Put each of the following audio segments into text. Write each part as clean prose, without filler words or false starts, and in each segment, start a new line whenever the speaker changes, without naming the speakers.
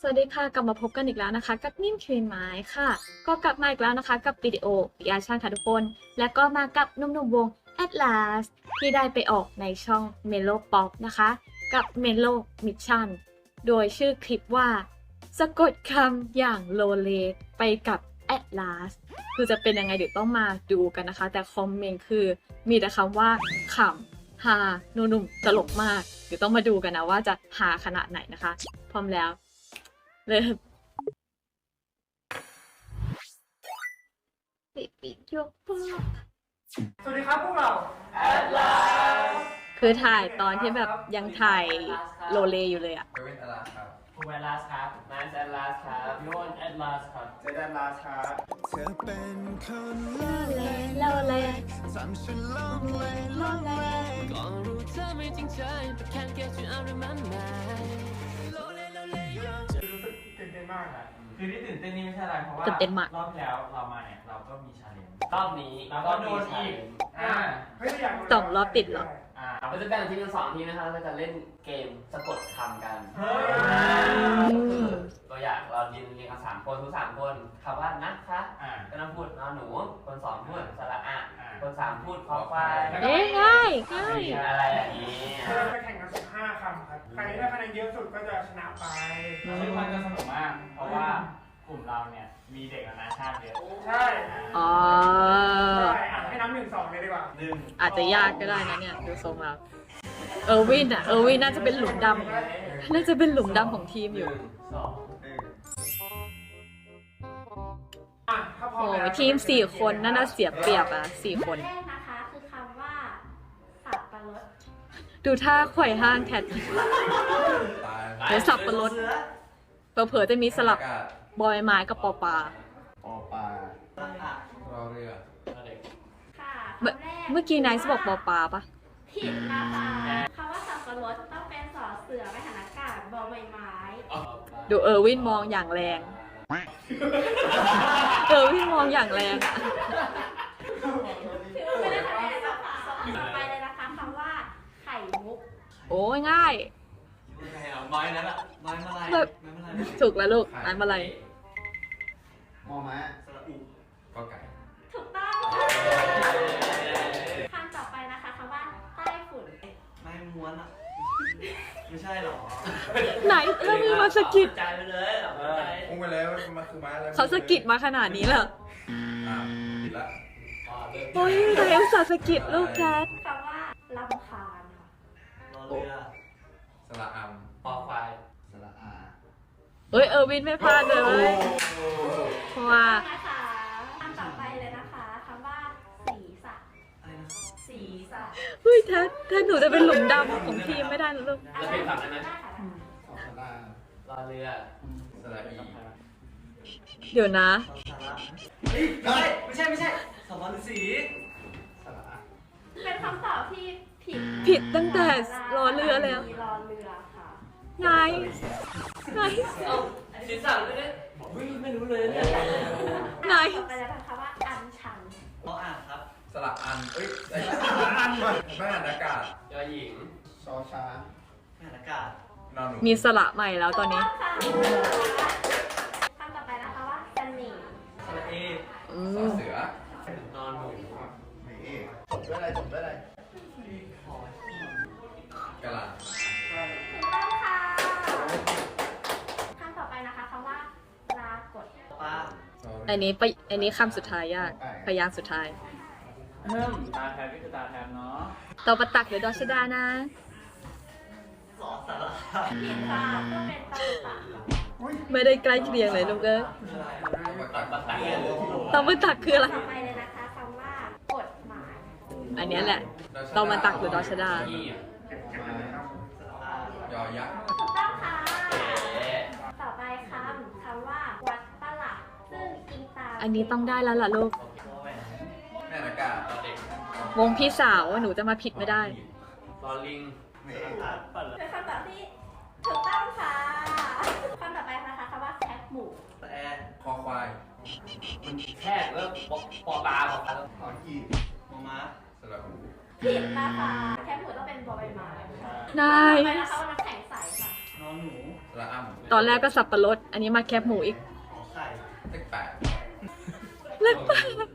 สวัสดีค่ะกลับมาพบกันอีกแล้วนะคะกับนิ่มคลีนไม้ค่ะก็กลับมาอีกแล้วนะคะกับวิดีโอรีแอคชั่นค่ะทุกคนและก็มากับหนุ่มๆวง Atlas ที่ได้ไปออกในช่อง Melo Pop นะคะกับ Melo Mission โดยชื่อคลิปว่าสะกดคำอย่างโลเลไปกับ Atlas คือจะเป็นยังไงเดี๋ยวต้องมาดูกันนะคะแต่คอมเมนต์คือมีแต่คำว่าขำฮาหนุ่มๆตลกมากเดี๋ยวต้องมาดูกันนะว่าจะฮาขนาดไหนนะคะพร้อมแล้วเริ่มปิดยกปอก
สวัสดีครับพวกเรา
Atlas
คือถ่ายตอนที่แบบยังถ่ายโลเลอยู่เลยอะ
เวนอลาครับ
ภูมิ Atlas ครับนาย Atlas ครับพี่อ้น Atlas ครับ
เจดันลาครับ
เธอเป็นคน
โลเล
ทำฉันลองเลยลองเลยก็รู้เธอไม่จริงใจ but can't get you out of my mind
รู้สึกตื่นเต้นมากนะ
คือที่ตื่นเต้นนี่ไม่ใช่อะไรเพราะว่า
ตื่นเต้นมาก
รอบที่แล้วเรามาเนี่ยเราก็มีชาเลนจ์
รอบนี้
เราก็โดนอีก
เฮ้ยอยากรู้
สองรอบติดเหรอ
เราจะแบ่งทีมเป็น2 ทีมนะครับเราจะเล่นเกมสะกดคำกัน
เฮ้ย
ตัวอย่างเรายืนเรียงกัน3 คนทุก3 คนคำว่านะคะ
อ่า
ก็ต้องพูดนอหนูคน2พูดสระอะ
อ่า
คน3พูดคอควาย
เอ๊ะง่ายง่าย
อะไรอย่างนี้
เราจะแข่งกัน15 คำครับ ใครได้คะแนนเยอะสุดก็จะชนะไป
ซึ่งมันจะสนุกมาก เพราะว่ากลุ่มเราเนี่ยมีเด็กนานาชาติเยอะ
ใช่
อ๋อ
ใช่ให้น้ำ1-2เลยดีกว่า
อาจจะยากก็ได้นะเนี่ยดูทรงแล้วเออร์วินน่าจะเป็นหลุมดำน่าจะเป็นหลุมดำของทีมอยู่
ถ้าพร้อ
โอ้
มแล้ว
ทีม4 คนน่าเสียเปรียบอะ4 คน
แรกนะคะคือคำว่าสับปะรด
ดูท่าไขว่ห้างแทน
ตาย
เดี๋ยวสับปะรดเผลอๆจะมีสลับ
อากาศ
บอยไม้กับปอปลา
ปอปลารอเรือ
ค่ะ
เมื่อ
คำแรก
เมื่อกี้ไนท์บอกปอปลาปะ
ผิดนะคะคำว่าสับปะรดต้องเป็นสอเสือไม่หันอากาศบอใบไม้
ดูเออร์วินมองอย่างแรง เออร์วินมองอย่างแรงอะ
ถือว่าไม่ได้คะแนนนะคะต่อไปเลยนะคะคำว่าไข่มุก
โอ้ยง่าย
ไม้นั้นอะไม้มาลาย
แบบถูกแล้วลูกอ่านมาอะไร
มอม้าก็ไก่
ถูกต้องคำต่อไปนะคะคำว่าใต้ฝุ่น
ไม้ม้วนอะไม่ใช่หรอ
ไหนเรื่องนี้มาสะกิด
ใจไปเลยเหรอใจ
พุ่งไปแล้วมันคือม้าแล้ว
เขาสะกิดมาขนาดนี้แล้ว
ผิดละ
โอ้ยไหนอุตส่าห์สะกิดลูกแคท
คำว่าลำคาญค่ะ
รอเรือ
สระอัม
ปอควาย
สระอา
เอ้ยเออร์วินไม่พลาดเลยเพราะว่า
นะคะคำต่อไปเลยนะคะคำว่าศีรษะศีรษะ
เฮ้ยถ้าหนูจะเป็นหลุมดำของทีมไม่ได้นะลูก
จะเป็นฝั่งนั้นไหม
ได้ค่ะ
สระ
รอเรือ
สระอี
เดี๋ยวนะ
ไม่ใช่สมรสี
สระอา
เป็นคำตอบที่ผิด
ผิดตั้งแต่รอเรือแล้ว
มีรอเรือค่ะ
ไงไง
ศีรษะไม่ได้ไม่รู้เลยเนี่ย
ไง
ต่อไปแล้วนะคะว่าอัญชัน
เพราะอ่านครับ
สระอันเอ้ยสระอันมาไม่หันอากาศ
ยอหญิง
ชอช้าง
อ่านอากาศ
นอนหนู
มีสระใหม่แล้วตอนนี้
ค่ะคำต่อไปนะคะว่าเสน่ห์
สระเอ
อื
สอ
ม
เสือน
อนหนู
ไม่เอ๊จบด้วยอะไรจบด้วยอะไรกะหล่
ถูกต้องค่ะคำต่อไปนะคะคำว่าปรากฏ
ป้า
ำ
อันนี้คำสุดท้ายยากพยางค์สุดท้าย
ตาแทนก็คือตาแทนเนาะ
ต่อประตักหรือดอชดานะ
สอสาระ
ผิดค่ะต้องเป็นตำตะ
ไม่ได้ใกล้เคียงเลยลูกเอ้ย
ตัดตัด
ต่อประตักคืออะไร
ต่อไปเลยนะคะคำว่ากฎหมาย
อันเนี้ยแหละต่อมาตักหรือดอชดา
ยอยักษ์
ถูกต้องค่ะ ต่อไปคำว่าวัดประหลัดซึ่งอิงตาม
อันนี้ต้องได้แล้วล่ะลูก
แม่อากาศ
เด็ก
วงพี่สาวหนูจะมาผิดไม่ได้
รอลิง
เป็นคำตอบที่ถูกต้องค่ะคำต่อไปนะคะคำว่าแคปหมู
แอร์
คอควาย
มันแค่เริ่มปอปลาปอปลา
ขอขีด
มอม้า
สระอู
ผิดนะคะแคปหมูต้องเป็นบอใบไม้
นาย
ต่อไปนะคะว่าน้ำแข็งใสค่ะ
นอนหนู
สระระอ้ำ
ตอนแรกก็สับปะรด อันนี้มาแคบหมูอีก
ขอไข่เลขแปด
เล็กไป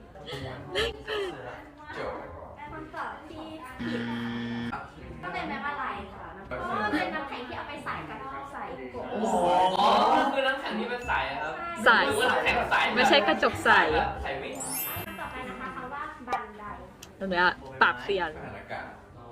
จบ
เป็นคำตอบที่ผิดก็เป็นแม่มาลายค่ะเพราะว่าเป็นน้ำแข็งที่เอาไปใส่กับใส่กบ
อ๋อคือน้ำแข็งที่เป็นใสครับ
ใส
หรือว่าน้ำแข็งใส
ไม่ใช่กระจกใส
ใสวิ่ง
คำต่อไปนะคะคำว่าบันได
ตรงเนี้ยปากเสียน
สถานการณ์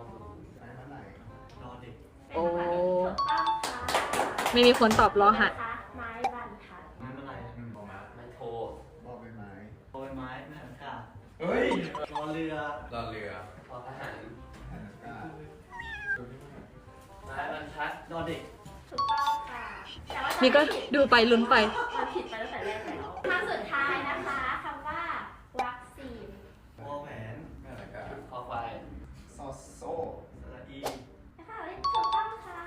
โอ้
ถูกต้องค่ะ
ไม่มีคนตอบรอหัด
นะคะไม้บรรทัด
ไม่เป็นไร
บอกมา
มันโท
บอกเป็นไม้
โอยไม้แม่หันกา
เฮ้ย
รอเรือ
รอเรือ
พอทหาร
สถานการณ์
ไม้บรรทัด
รอเด็ก
ถูกต้องค่ะแต่ว่า
นี่ก็ดูไปลุ้นไป
มันผิดไปตั้งแต่แรกแล้วคำสุดท้ายนะคะคำว่าวัคซีน
วอแหวน
สถานการณ์
คอควาย
ซอโซ่
สระอี
นะคะถูกต้องค่ะ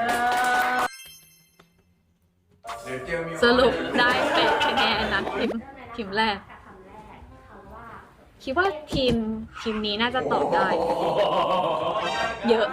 เดี๋ยวเจอมี
สรุปได้8คะแนนนะทีมแรก
กับคำแรกคำว่า
คิดว่าทีมนี้น่าจะตอบได้ เยอะ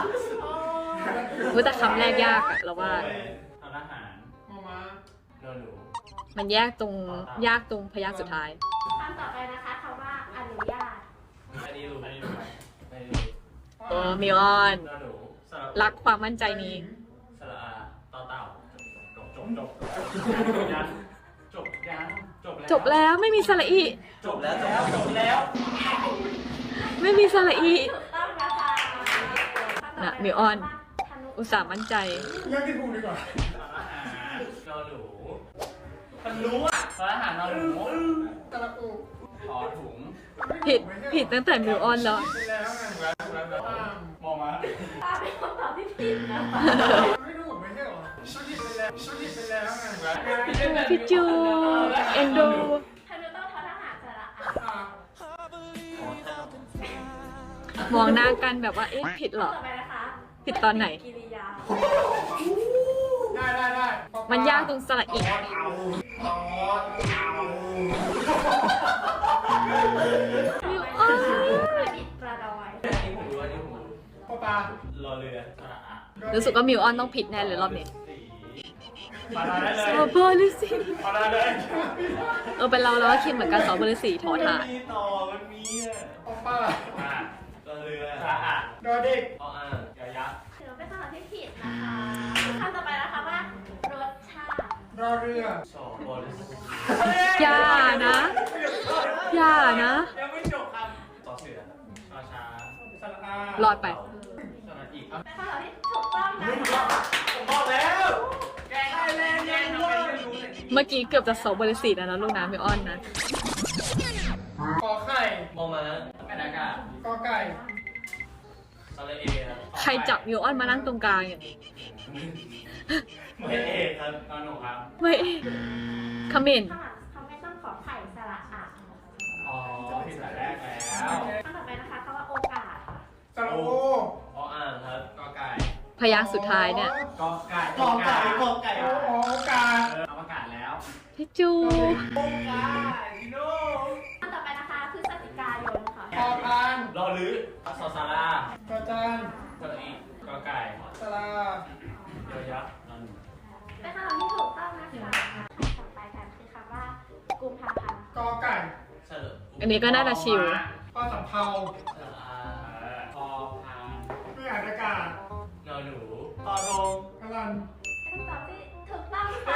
อยู่แต่คำแรกยากอะเราว่า
ทำอาหาร
มอม้า
โดนหนู
มันยากตรงพยางค์สุดท้าย
คำต่อไปนะคะคำว่าอนุญาต
อันนี้รู้ไหมไม่รู้
เออมิออน
โดนหนูสระ
รักความมั่นใจนี้
สระอาต่อเต่าจบยันจบยัน
จบแล้วไม่มีสระอี
จบแล้วจบแล้ว
ไม่มีสระอี
ถูกต้องนะคะคำต่อไป
น่ะมิออน
ธนุ
อุตส่าห์มั่นใจ
เรื่องที่ถูกดีกว่า
ทำอาหารโดนหนูมันรู้อ่ะทำอาหารโดนหนู
ตะละอู
ขอถุง
ผิดตั้งแต่มิวออนแล้ว
ไปแล้วไง
มองมา
ตาเป็นคำตอบที่ผิดนะคะ
ไม่ถูกไม่ใช่หรอชุดหยิบไปแล้วชุดหยิบไปแล้วไง
พี่จูเอนดู
ธนุต้องทอทหารสระอา
อ่ะ
มองหน้ากันแบบว่า เอ๊ะ ผิดเหรอ
ต่อไปนะคะ
ผิดตอนไหน
กิริยา
ได้
มันยากตรงสระอี มิวออน
ประดิษฐ์ประดอย
อันนี้ผมรู้อันนี้ผมรู้
ปอปลาร
อเรือสระอา
รู้สึกว่ามิวออนต้องผิดแน่เลยรอบนี้
มาได้เลย
สอบเบอร์ลิสี
มาได้เลย
เป็นเราแล้วก็คิดเหมือนกันสอบเบอร์ลิสีถอถ่าน
มีต่อมันมีอ่ะ
ปอปลาร
อเรือสระอา
ดอเด็ก
ออ่าง
ยายักษ์
ถือว่าเป็นคำตอบที่ผิดนะคะคำต่อไปนะคะว่ารสชาติ
รอเรือ
สอบบอล
อย่านะ อย่านะ
ยังไม่จบครับต่อเสือชอช้าง
สระอาร
อดไป
สระอีก
เป็นคำตอบที่ถูกต้องนะคะ
ผมบอกแล้วแกได้แรงแกทำไมไม่รู้เลย
เมื่อกี้เกือบจะสอบเบอร์ลิสีแล้วนะลูกนะมิวออนนะ
กอไข่
มองมา
แม่นากาก
อไก่
สระเอ
ใครจับมิวออนมานั่งตรงกลางอย่างนี้
ไม่เอกครับนอนหนูครับ
ไม่คอมเมนต์
ข้างหลังเขาไม่ต้องขอไข่สระอา
อ๋อผิดแต่แรกแล้ว
คำต่อไปนะคะคำว่าโอกาสค่ะ
สระโอ
ออ่างครับ
กอไก่
พยางค์สุดท้ายเนี่ย
กอไก่
โอกาส
เอาประกาศแล้ว
พี่จู
โอกาสโน่
คำต่อไปนะคะพฤศจิกายนค่ะ
พอพาน
รอหรือซอซาร่าก
อจาน
สระอีกอไก่
สระ
ยอยักษ์นอนหนู
เป็นคำตอบที่ถูกต้องนะคะคำต่อไปกันคือคำว่ากุมภาพันธ์
กอไก่
สระ
อันนี้ก็น่าจะชิล
พอสำเภา
สระอา
พอพาน
ไม่อาจอากาศ
นอนหนู
ตอทง
กำลัง
เป็นคำตอบที่ถูกต้องค่ะ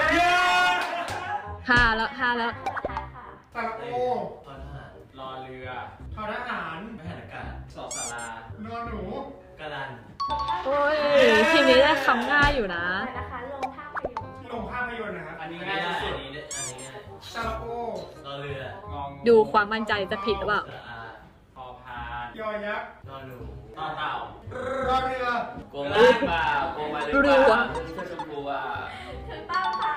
5 แล้ว 5 แล้ว
สุดท้ายค่ะ
สระโอ
ทอทหาร
รอเรือ
ทอทหาร
ไม่หันอากาศ
สอสาราน
อนหนู
กระดัน
ถูกต้อง
โอ้ย ทีมนี้ได้คำง่ายอยู่นะ
ไปนะคะลงภาพยนตร์
ที่ลงภาพยนตร์นะครับ
อันนี้
อัน
ง่าย
นี้
ที่
ได้
สุด
อันนี้ง่าย
สระโอ
รอเรือ
งอง
ดูความมั่นใจจะผิดหรือเปล่า
สระอา
พอพาน
ยอยักษ์
นอนหนู
ต่อเต่าร
อเรือ
โกงมาหรือเปล่าโกงมาหรือเปล่าเสื้อชมพูอ่ะ
ถูกต้องค่ะ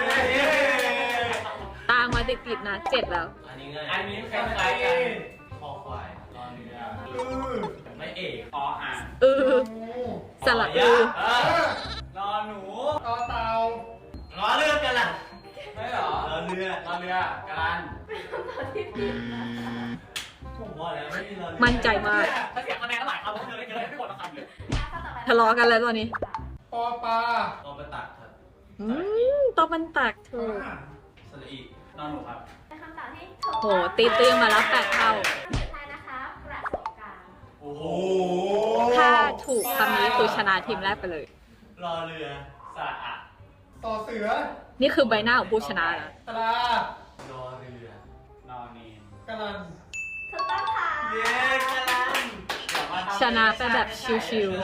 ตามมาติดๆนะ 7 แล้ว
อันนี้ง่าย
อันนี้คล้ายๆกัน
คอควาย
รอเรือ
ไม่เอก
พออ่าง
เออ
งู
สระอือ
รอหนู
ต่อเตาร
อเรือกันล่ะ
ไม่หรอ
รอเรือ
รอเรือกรัน
เป็นคำตอบที่ผิดนะคะ
ผมว่าแล้วไม่มีรอเรือ
มั่นใจมาก
ถ้าเสียคะแนนหลายคำผมจะได้เกินไม่หมดละคำเลย
ข้อต่อไป
ทะเลาะกันแล้วตอนนี้
ปอปลา
รอไปตัดครับ
ตบมันตักถูก
สระอีนอนหนูครับ
เป็นคำตอบที่ถูก
โหตีตื้อมาแล้ว8 เท่า
สุดท้ายนะคะประสบการณ์
โอ้โห
ถ้าถูกคำนี้คือชนะทีมแรกไปเลย
รอเรือสระอะ
ต่อเสือ
นี่คือใบหน้าของผู้ชนะนะ
ตราร
อเรือนอนเนน
กะลัน
ถูกต้องค่ะ
เย้กำลัง
ชนะไปแบบชิว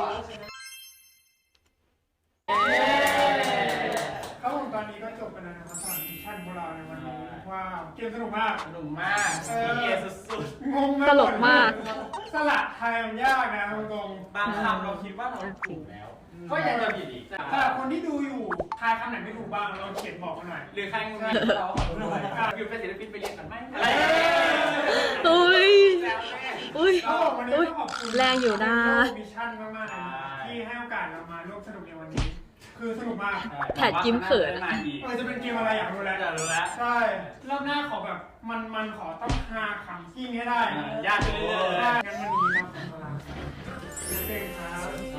ครับผมตอนนี้ก็จบไปแล้วนะครับสำหรับมิชชั่นของเราในวันนี้ว้าวเกมสนุกมาก
สนุกมากเย้สุด
งง
ๆ ตลกมาก
สละไทยมันยากนะตรง
ๆบางคำเราคิดว่าเราถูกแล้ว ก็ยังจะผิดอีก
ๆสำหรับคนที่ดูอยู่ทายคำไหนไม่ถูกบ้างเราเขียนบอกมาหน่อย
หรือใครงงเราขอโทษด้วยคือเป็นศิลปินไปเรียนกันไหมอะไร
อุ้ย อุ้ย
ก็วันนี้ต้องขอบคุณ
แรงอยู่นะ
มิชชั่นมากๆเลยที่ให้โอกาสเรามาร่วมสนุกในวันนี้ คือสนุกมาก
แผดยิ้มเขิน
จะเป็นเกมอะไรอยากรู้แล้ว
อยากรู้แล้ว
ใช่รอบหน้าขอแบบมันขอต้องหาคำที่ให้ได้
ยากขึ้นเรื่อยๆ
ได้งั้นวันนี้นะผมลาเก่งครับ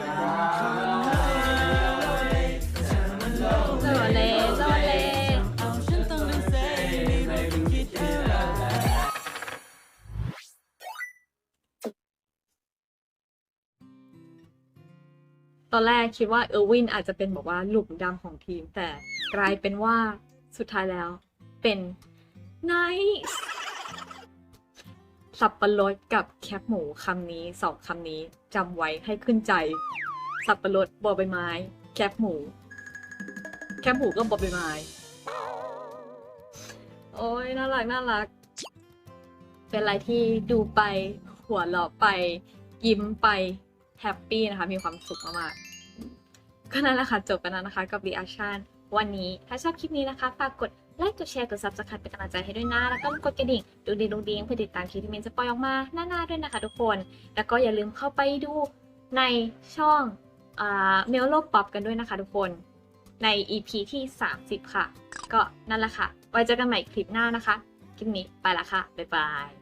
โซเล่โซเล่
เอาฉันต้องเป็นเซไม่รู้จะคิดอะไร
ตอนแรกคิดว่าเออร์วินอาจจะเป็นบอกว่าหลุมดำของทีม แต่กลายเป็นว่าสุดท้ายแล้วเป็นไนท์สับปะรดกับแคบหมูคำนี้สองคำนี้จำไว้ให้ขึ้นใจ สับปะรดบอใบไม้ แคบหมู แคบหมูก็บอใบไม้ โอ้ยน่ารักน่ารัก เป็นอะไรที่ดูไปหัวเราะไป ยิ้มไปแฮปปี้นะคะ มีความสุขมากๆก็นั่นแหละค่ะ จบไปแล้วนะคะกับ reaction วันนี้ถ้าชอบคลิปนี้นะคะ ฝากกดไลค์กดแชร์กด subscribe เป็นกำลังใจให้ด้วยนะ แล้วก็กดกระดิ่งดูดีเพื่อติดตามคลิปที่มินจะปล่อยออกมาหน้าๆด้วยนะคะทุกคน แล้วก็อย่าลืมเข้าไปดูในช่องเมลโลป๊อปกันด้วยนะคะทุกคนใน EP ที่30ค่ะ ก็นั่นแหละค่ะไว้เจอกันใหม่คลิปหน้านะคะคลิปนี้ไปละค่ะบ๊ายบาย